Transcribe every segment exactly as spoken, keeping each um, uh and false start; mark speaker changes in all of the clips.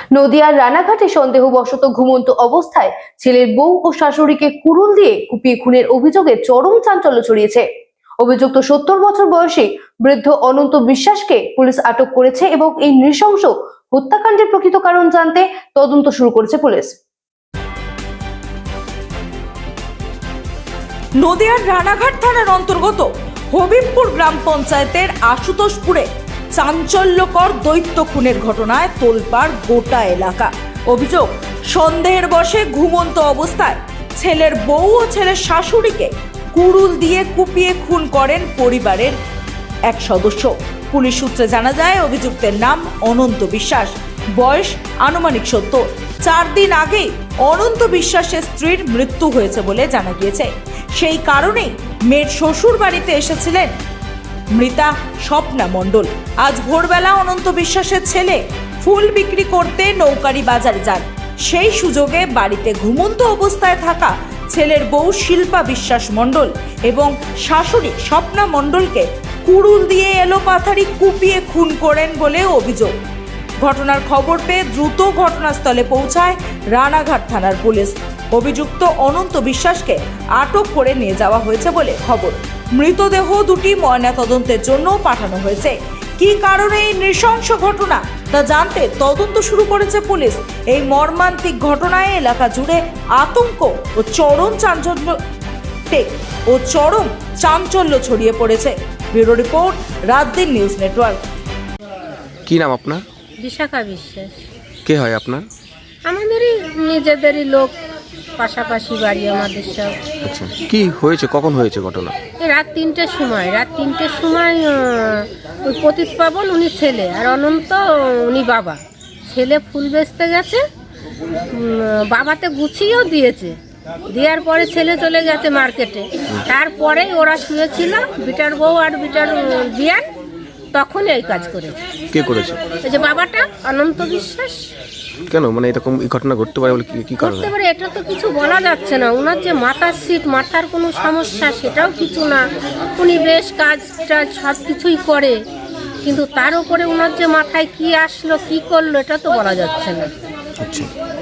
Speaker 1: নদিয়ার রানাঘাটে সন্দেহবশত ঘুমন্ত অবস্থায় ছেলের বউ ও শাশুড়িকে কুড়ুল দিয়ে কুপিয়ে খুনের অভিযোগে চরম চাঞ্চল্য ছড়িয়েছে। অভিযুক্ত সত্তর বছর বয়সী বৃদ্ধ অনন্ত বিশ্বাসকে পুলিশ আটক করেছে এবং এই নৃশংস হত্যাকাণ্ডের প্রকৃত কারণ জানতে তদন্ত শুরু করেছে পুলিশ।
Speaker 2: নদিয়ার রানাঘাট থানার অন্তর্গত হবিবপুর গ্রাম পঞ্চায়েতের আশুতোষপুরে চাঞ্চল্যকর দৈত্য খুনের ঘটনায় তোলপাড় গোটা এলাকা। অভিযোগ, সন্দেহের বশে ঘুমন্ত অবস্থায় ছেলের বউ ও ছেলের শাশুড়িকে কুড়ুল দিয়ে কুপিয়ে খুন করেন পরিবারের এক সদস্য। পুলিশ সূত্রে জানা যায়, অভিযুক্তের নাম অনন্ত বিশ্বাস, বয়স আনুমানিক সত্তর। চার দিন আগে অনন্ত বিশ্বাসের স্ত্রীর মৃত্যু হয়েছে বলে জানা গিয়েছে। সেই কারণেই মেয়ের শ্বশুর বাড়িতে এসেছিলেন মৃতা স্বপ্না মণ্ডল। আজ ভোরবেলা অনন্ত বিশ্বাসের ছেলে ফুল বিক্রি করতে নৌকারি বাজারে যান। সেই সুযোগে বাড়িতে ঘুমন্ত অবস্থায় থাকা ছেলের বউ শিল্পা বিশ্বাস মণ্ডল এবং শাশুড়ি স্বপ্না মণ্ডলকে কুড়ুল দিয়ে এলোপাথারি কুপিয়ে খুন করেন বলে অভিযোগ। ঘটনার খবর পেয়ে দ্রুত ঘটনাস্থলে পৌঁছায় রানাঘাট থানার পুলিশ। অভিযুক্ত অনন্ত বিশ্বাসকে আটক করে নিয়ে যাওয়া হয়েছে বলে খবর। মৃতদেহ দুটি ময়নাতদন্তের জন্য পাঠানো হয়েছে। কী কারণে এই নৃশংস ঘটনা তা জানতে তদন্ত শুরু করেছে পুলিশ। এই মর্মান্তিক ঘটনায় এলাকা জুড়ে আতঙ্ক ও চরম চাঞ্চল্য ও চরম চাঞ্চল্য ছড়িয়ে পড়েছে। Bureau report, Raatdin news network.
Speaker 3: কি নাম আপনার?
Speaker 4: বিশাখা বিশ্বাস।
Speaker 3: কে হয় আপনার?
Speaker 4: আমাদেরই নিজেদেরই লোক, পাশাপাশি বাড়ি আমাদের সব।
Speaker 3: আচ্ছা, কি হয়েছে, কখন হয়েছে ঘটনা?
Speaker 4: এই রাত তিনটের সময় রাত তিনটের সময় আহ, ওই পতিত পাবন উনি ছেলে আর অনন্ত উনি বাবা। ছেলে ফুল বেচতে গেছে, উম, বাবাতে গুছিয়েও দিয়েছে। দেওয়ার পরে ছেলে চলে গেছে মার্কেটে। তারপরেই ওরা শুয়েছিল, বিটার বউ আর বিটার বিয়ান, তখন এই কাজ করেছে।
Speaker 3: কে করেছে?
Speaker 4: এই যে বাবাটা অনন্ত বিশ্বাস।
Speaker 3: কেন, মানে এরকম এই ঘটনা ঘটতে পারে বলে কি কি কারণে?
Speaker 4: করতে পারে এটা তো কিছু বলা যাচ্ছে না। ওনার যে মাথার সিট, মাথার কোনো সমস্যা সেটাও কিছু না। উনি বেশ কাজ টাজ সব কিছুই করে, কিন্তু তার উপরে ওনার যে মাথায় কি আসলো কি করলো এটা তো বলা যাচ্ছে না।
Speaker 3: আচ্ছা,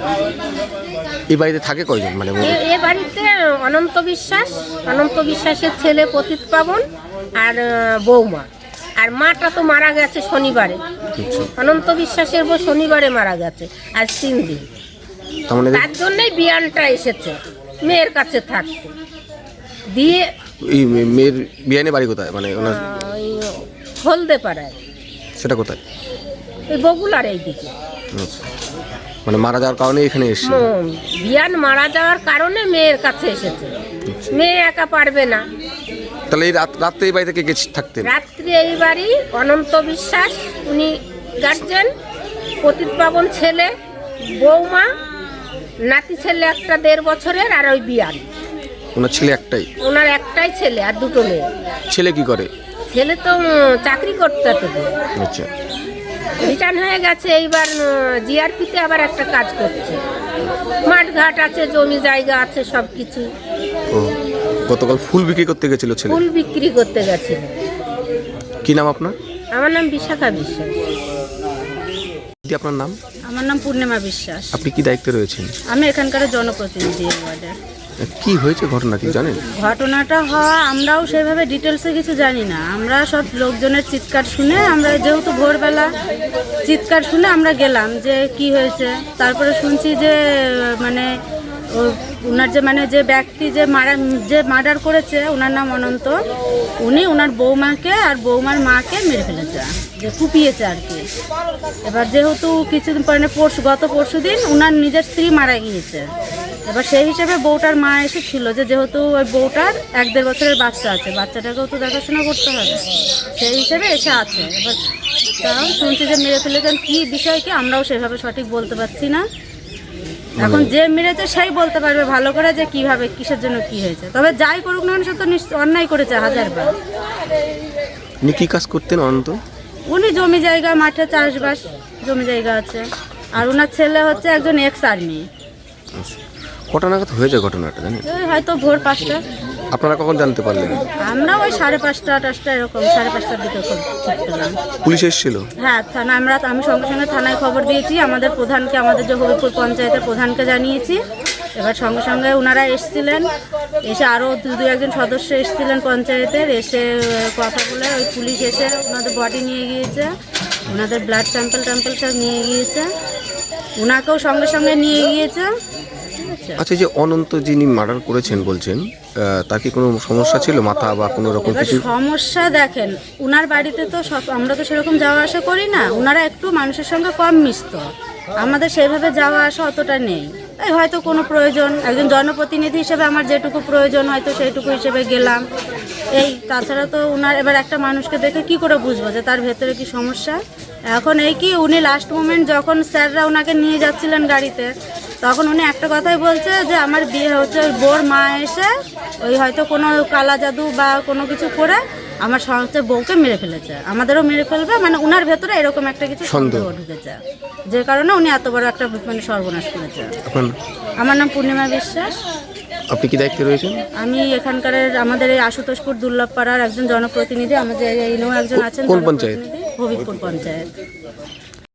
Speaker 3: এই বাড়িতে থাকে কয়জন? মানে
Speaker 4: এ- এ বাড়িতে অনন্ত বিশ্বাস, অনন্ত বিশ্বাসের ছেলে পতিত পাবন আর আহ, বৌমা। আর মাটা তো মারা গেছে শনিবারে। অনন্ত বিশ্বাসের বউ শনিবারে মারা গেছে, আজ তিন দিন।
Speaker 3: তার মানে
Speaker 4: তার জন্যই বিয়ানটা এসেছে মেয়ের কাছে থাকতে দিয়ে।
Speaker 3: এই মেয়ের বিয়ানে বাড়ি কোথায়, মানে ওনার?
Speaker 4: ওই হলদে পাড়ায়,
Speaker 3: সেটা কোথায়?
Speaker 4: ওই বগুলার এই দিকে।
Speaker 3: আচ্ছা, মানে মারা যাওয়ার কারণে এখানে এসেছে।
Speaker 4: ম- বিয়ান মারা যাওয়ার কারণে মেয়ের কাছে এসেছে। মেয়ে একা পারবে না।
Speaker 3: তাহলে এই রাত রাত্রে এই বাড়িতে কে কে থাকতেন?
Speaker 4: রাত্রে এই বাড়ি অনন্ত বিশ্বাস, উনি গার্জেন, পতিত পাবন ছেলে, বৌমা, নাতি ছেলে একটা দেড় বছরের, আর ওই বিয়ান।
Speaker 3: ওনার ছেলে একটাই?
Speaker 4: ওনার একটাই ছেলে আর দুটো মেয়ে।
Speaker 3: ছেলে কি করে?
Speaker 4: ছেলে তো উম, চাকরি করতে তো
Speaker 3: আচ্ছা,
Speaker 4: রিটার্ন হয়ে গেছে। এইবার জিআরপিতে আবার একটা কাজ করছে। মাঠ ঘাট আছে, জমি জায়গা আছে, সব কিছু।
Speaker 3: ও গতকাল ফুল বিক্রি করতে গেছিল ছেলে?
Speaker 4: ফুল বিক্রি করতে গেছিল।
Speaker 3: কি নাম আপনার?
Speaker 4: আমার নাম বিশাখা বিশ্বাস।
Speaker 3: কি আপনার নাম?
Speaker 5: আমার নাম পূর্ণিমা বিশ্বাস।
Speaker 3: আপনি কি দায়িত্বে রয়েছেন?
Speaker 5: আমি এখানকার জনপ্রতিনিধি এই ওয়ার্ডের।
Speaker 3: কি হয়েছে ঘটনা কি জানেন?
Speaker 5: ঘটনাটা হওয়া আমরাও সেভাবে ডিটেলসে কিছু জানি না। আমরা সব লোকজনের চিৎকার শুনে, আমরা যেহেতু ভোরবেলা চিৎকার শুনে আমরা গেলাম যে কি হয়েছে। তারপরে শুনছি যে মানে ও- ওনার যে মানে যে ব্যক্তি যে মারা যে মার্ডার করেছে, ওনার নাম অনন্ত, উনি ওনার বৌমাকে আর বৌমার মাকে মেরে ফেলেছে, যে কুপিয়েছে আর কি। এবার যেহেতু কিছুদিন পরে পরশু গত পরশু দিন ওনার নিজের স্ত্রী মারা গিয়েছে। এবার সেই হিসেবে বউটার মা এসেছিল, যে যেহেতু ওই বউটার এক দেড় বছরের বাচ্চা আছে, বাচ্চাটাকেও তো দেখাশোনা করতে হবে, সেই হিসেবে এসে আছে। এবার তাও শুনছি যে মেরে ফেলেছেন। কী বিষয় কি আমরাও সেভাবে সঠিক বলতে পারছি না। এখন যে মেরেছে সেই বলতে পারবে ভালো করে যে কিভাবে কিসের জন্য কি হয়েছে। তবে যাই করুক না সে তো নিশ্চয় অন্যায় করেছে হাজারবার।
Speaker 3: উনি কি কাজ করতেন অনন্ত?
Speaker 5: উনি জমি জায়গা, মাঠে চাষবাস, জমি জায়গা আছে। আর ওনার ছেলে হচ্ছে একজন এক্স আর্মি।
Speaker 3: কটা নাগাদ হয়েছে ঘটনাটা জানেন?
Speaker 5: হয়তো ভোর পাঁচটা।
Speaker 3: আপনারা কখন জানতে পারলেন?
Speaker 5: আমরা ওই সাড়ে পাঁচটা টাচটা এরকম সাড়ে পাঁচটার দিকে খবর পেলাম।
Speaker 3: পুলিশ এসেছিল?
Speaker 5: হ্যাঁ, থানা আমরা আমি সঙ্গে সঙ্গে থানায় খবর দিয়েছি, আমাদের প্রধানকে, আমাদের যে হবিপুর পঞ্চায়েতের প্রধানকে জানিয়েছি। এবার সঙ্গে সঙ্গে ওনারা এসেছিলেন, এসে আরও দু দু একজন সদস্য এসেছিলেন পঞ্চায়েতের, এসে কথা বলে ওই পুলিশ এসে ওনাদের বডি নিয়ে গিয়েছে, ওনাদের ব্লাড স্যাম্পল ট্যাম্পল সব নিয়ে গিয়েছে, ওনাকেও সঙ্গে সঙ্গে নিয়ে গিয়েছে। ঠিক আছে।
Speaker 3: আচ্ছা, এই যে অনন্ত যিনি মার্ডার করেছেন বলছেন, আহ, তার কি কোনো সমস্যা ছিল, মাথা বা কোনো রকম
Speaker 5: এবার
Speaker 3: কিছু?
Speaker 5: সমস্যা দেখেন, উনার বাড়িতে তো সব আমরা তো সেরকম যাওয়া আসা করি না, উনারা একটু মানুষের সঙ্গে কম মিশত, আমাদের সেইভাবে যাওয়া আসা অতটা নেই। তাই হয়তো কোনো প্রয়োজন, একজন জনপ্রতিনিধি হিসেবে আমার যেটুকু প্রয়োজন হয়তো সেইটুকু হিসেবে গেলাম, এই। তাছাড়া তো উনার এবার একটা মানুষকে দেখে কি করে বুঝবো যে তার ভেতরে কি সমস্যা। এখন এই কি উনি লাস্ট মোমেন্ট যখন স্যাররা ওনাকে নিয়ে যাচ্ছিলেন গাড়িতে, তখন উনি একটা কথাই বলছে যে আমার বিয়ে হচ্ছে, ওই বোর মা এসে ওই হয়তো কোনো কালা জাদু বা কোনো কিছু করে আমার হচ্ছে বউকে মেরে ফেলেছে, আমাদেরও মেরে ফেলবে, মানে উনার ভেতরে এরকম একটা কিছু সন্দেহ ঢুকেছে, যে কারণে উনি এত বড় একটা মানে সর্বনাশ করেছে।
Speaker 3: আপনার
Speaker 5: আমার নাম পূর্ণিমা বিশ্বাস।
Speaker 3: আপনি কি দায়িত্বে রয়েছেন?
Speaker 5: আমি এখানকার আমাদের এই আশুতোষপুর দুর্লভপাড়ার একজন জনপ্রতিনিধি, আমাদের এই একজন আছেন
Speaker 3: কোন পঞ্চায়েত?
Speaker 5: জনপ্রতিনিধি, হবিবপুর পঞ্চায়েত।